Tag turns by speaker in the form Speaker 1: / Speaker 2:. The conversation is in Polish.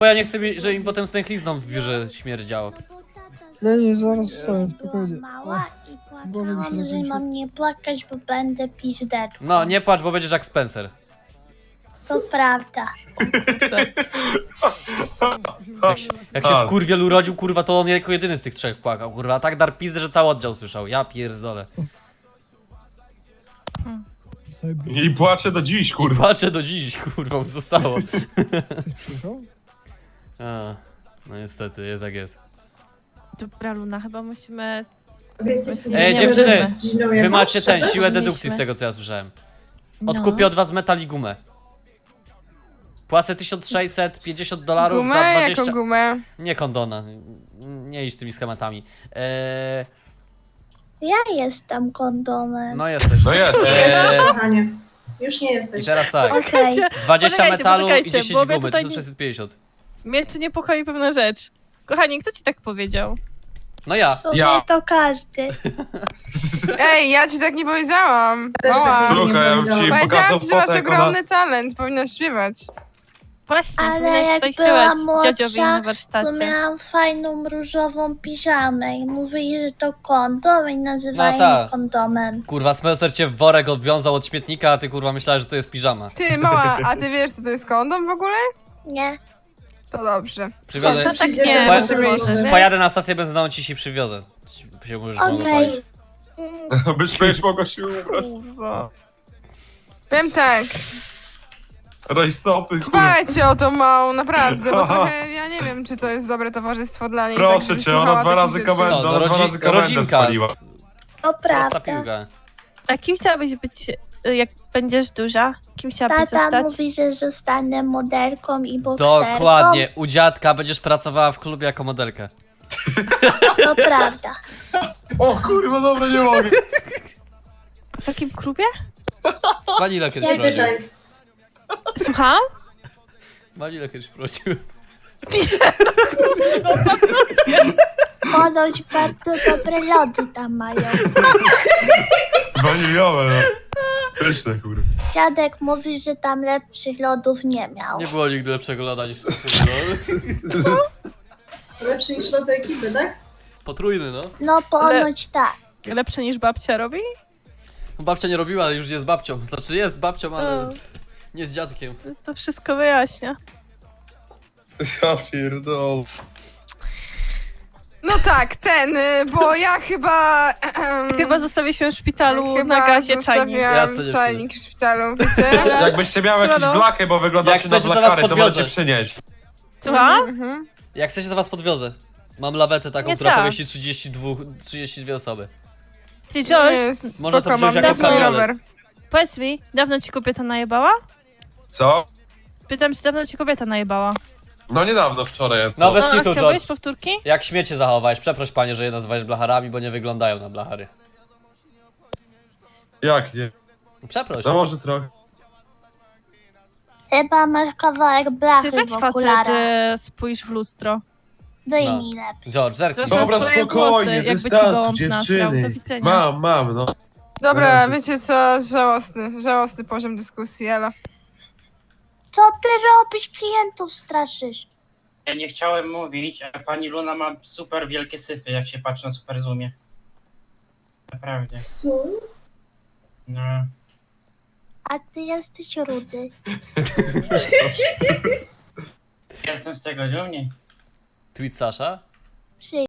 Speaker 1: Bo ja nie chcę, żeby mi potem stęchlizną w biurze śmierdziało.
Speaker 2: Nie, zaraz wstaję, spokojnie.
Speaker 3: Mała i
Speaker 2: Głowa mi się
Speaker 3: płakałam, że
Speaker 2: zakończy.
Speaker 3: mam nie płakać, bo będę pizdeczką.
Speaker 1: No, nie płacz, bo będziesz jak Spencer.
Speaker 3: To prawda.
Speaker 1: Jak się skurwiel urodził, kurwa, to on jako jedyny z tych trzech płakał, kurwa. A tak dar pizdę, że cały oddział słyszał. Ja pierdolę.
Speaker 2: Sobie
Speaker 4: I płaczę do dziś, kurwa.
Speaker 1: Płaczę do dziś, kurwa, już zostało.
Speaker 2: ktoś przyjechał?
Speaker 1: A, no niestety, jest jak jest.
Speaker 5: Dobra, Luna, chyba musimy...
Speaker 1: Ej,
Speaker 5: nie
Speaker 1: dziewczyny,
Speaker 5: będziemy.
Speaker 1: wy macie ten,
Speaker 5: coś?
Speaker 1: siłę dedukcji
Speaker 5: Mieliśmy.
Speaker 1: z tego, co ja słyszałem.
Speaker 5: No.
Speaker 1: Odkupię od was metal i gumę. Płacę $1650 za
Speaker 6: Gumę?
Speaker 1: 20...
Speaker 6: Jaką gumę?
Speaker 1: Nie kondona. Nie idź z tymi schematami.
Speaker 3: Ja jestem kondomem.
Speaker 1: No jesteś.
Speaker 4: No jest.
Speaker 7: Kochanie, już nie
Speaker 1: I
Speaker 7: jesteś.
Speaker 1: teraz tak.
Speaker 3: Okej.
Speaker 1: 20
Speaker 5: Poczekajcie,
Speaker 1: metalu i
Speaker 5: poczekajcie,
Speaker 1: 10
Speaker 5: bo mnie
Speaker 1: gumy,
Speaker 5: tutaj
Speaker 1: 1650.
Speaker 5: Mnie tu niepokoi pewna rzecz. Kochani, kto ci tak powiedział?
Speaker 1: No ja.
Speaker 3: W sumie
Speaker 4: Ja.
Speaker 3: to każdy.
Speaker 6: Ej, ja ci tak nie powiedziałam.
Speaker 7: Też tak
Speaker 6: Mała.
Speaker 7: nie
Speaker 4: Słuchaj, ja bym ci
Speaker 6: Powiedziałam
Speaker 4: pokazał
Speaker 6: ci, że masz
Speaker 4: fotę, jak ona...
Speaker 6: ogromny talent, powinnaś śpiewać.
Speaker 5: Właśnie,
Speaker 3: Ale
Speaker 5: powinieneś
Speaker 3: jak
Speaker 5: tutaj
Speaker 3: byłam
Speaker 5: śpiewać dziadziowi
Speaker 3: młodsza,
Speaker 5: na
Speaker 3: To
Speaker 5: warsztacie.
Speaker 3: miałam fajną różową piżamę i mówili, że to kondom i nazywali
Speaker 1: No tak.
Speaker 3: mnie kondomem.
Speaker 1: Kurwa, Spencer cię w worek odwiązał od śmietnika, a ty kurwa myślałeś, że to jest piżama.
Speaker 6: Ty, mała, a ty wiesz, co to jest kondom w ogóle?
Speaker 3: Nie.
Speaker 6: To dobrze.
Speaker 1: Przywiozę.
Speaker 5: To tak
Speaker 7: Przyjdzie
Speaker 5: nie,
Speaker 7: czas,
Speaker 6: żeby
Speaker 7: żeby
Speaker 6: iść.
Speaker 7: iść.
Speaker 1: Pojadę na stację benzynową, ci się przywiozę. Się możesz
Speaker 3: Okej.
Speaker 4: Byś mogła się ubrać.
Speaker 5: Kurwa.
Speaker 6: Powiem tak,
Speaker 4: Rajstopy, kurwa.
Speaker 6: dbajcie o tą małą, naprawdę, bo trochę, ja nie wiem, czy to jest dobre towarzystwo dla niej. tak,
Speaker 4: Proszę
Speaker 6: żeby
Speaker 4: cię, ona
Speaker 6: słuchała
Speaker 4: dwa razy
Speaker 6: takich rzeczy.
Speaker 4: komendę,
Speaker 1: Co,
Speaker 4: ona
Speaker 1: no
Speaker 4: dwa razy komendę
Speaker 1: rodzinka.
Speaker 4: spaliła.
Speaker 3: To
Speaker 1: Prosta
Speaker 3: prawda.
Speaker 1: piłka.
Speaker 5: A kim chciałabyś być, jak będziesz duża? Kim chciałabyś
Speaker 3: Tata
Speaker 5: zostać?
Speaker 3: mówi, że zostanę modelką i bokserką.
Speaker 1: Dokładnie, u dziadka będziesz pracowała w klubie jako modelka.
Speaker 3: To prawda.
Speaker 4: O kurwa, dobra, nie mogę.
Speaker 5: W jakim klubie?
Speaker 1: Vanilla kiedyś
Speaker 7: Nie
Speaker 1: prosił.
Speaker 7: pytaj.
Speaker 5: Słucham?
Speaker 1: Vanilla kiedyś prosił.
Speaker 3: Ponoć bardzo dobre lody tam mają.
Speaker 4: Waniliowe, no. Pyszne, kurwa.
Speaker 3: Dziadek mówi, że tam lepszych lodów nie miał.
Speaker 1: Nie było nigdy lepszego loda niż
Speaker 7: Lepszy niż lody ekipy, tak?
Speaker 1: potrójny, no.
Speaker 3: No ponoć tak.
Speaker 5: Lepsze niż babcia robi?
Speaker 1: Babcia nie robiła, ale już jest babcią. Znaczy jest babcią, ale
Speaker 5: O.
Speaker 1: nie z dziadkiem.
Speaker 5: To wszystko wyjaśnia.
Speaker 4: Ja pierdol.
Speaker 6: No tak, bo ja chyba...
Speaker 5: Chyba zostawiliśmy w szpitalu
Speaker 6: chyba
Speaker 5: na gazie czajnik.
Speaker 6: zostawiłam
Speaker 1: Jasne,
Speaker 6: czajnik w szpitalu, wiecie?
Speaker 4: Jakbyście miały jakieś
Speaker 5: Siemano.
Speaker 4: blachy, bo
Speaker 1: Jak
Speaker 4: wyglądacie na
Speaker 1: chcecie, to was
Speaker 4: blachary, to
Speaker 1: podwiozę.
Speaker 4: możecie przynieść.
Speaker 5: Słucham?
Speaker 6: Mhm.
Speaker 1: Jak chcecie, to was podwiozę. Mam lawetę taką,
Speaker 5: Nie
Speaker 1: która
Speaker 5: trzeba.
Speaker 1: pomieści 32 osoby.
Speaker 5: Ty, George,
Speaker 6: Jest,
Speaker 1: Można to
Speaker 6: spoko,
Speaker 1: wziąć
Speaker 6: mam
Speaker 1: jako
Speaker 6: swój
Speaker 1: kabriolet.
Speaker 6: rower.
Speaker 5: powiedz mi, dawno ci kobieta najebała?
Speaker 4: Co?
Speaker 5: Pytam, czy dawno ci kobieta najebała?
Speaker 4: No niedawno, wczoraj, a co?
Speaker 1: No, bez
Speaker 5: a
Speaker 1: kitu,
Speaker 5: chciałbyś
Speaker 1: George.
Speaker 5: powtórki?
Speaker 1: Jak śmiecie zachowałeś? Przeproś panie, że je nazywałeś blacharami, bo nie wyglądają na blachary.
Speaker 4: Jak nie?
Speaker 1: Przeproś.
Speaker 4: No może trochę.
Speaker 3: Chyba masz kawałek
Speaker 5: Ty
Speaker 3: blachy
Speaker 5: weź
Speaker 3: w
Speaker 5: facet,
Speaker 3: okularach.
Speaker 5: spójrz w lustro.
Speaker 3: Wyjmij lepiej.
Speaker 1: George, zerknij.
Speaker 5: Proszę.
Speaker 4: Dobra,
Speaker 5: swoje
Speaker 4: spokojnie,
Speaker 5: włosy, jakby ci
Speaker 4: dystansu,
Speaker 5: gołąb nasrał. Do
Speaker 4: dziewczyny.
Speaker 5: widzenia.
Speaker 4: Mam, no.
Speaker 6: Dobra, wiecie co, żałosny poziom dyskusji, Ela.
Speaker 3: Co ty robisz? Klientów straszysz.
Speaker 8: Ja nie chciałem mówić, ale pani Luna ma super wielkie syfy, jak się patrzy na super zoomie. Naprawdę.
Speaker 7: Co?
Speaker 8: No.
Speaker 3: A ty jesteś rudy.
Speaker 8: Jestem z tego dumny.
Speaker 1: Tweet Sasha?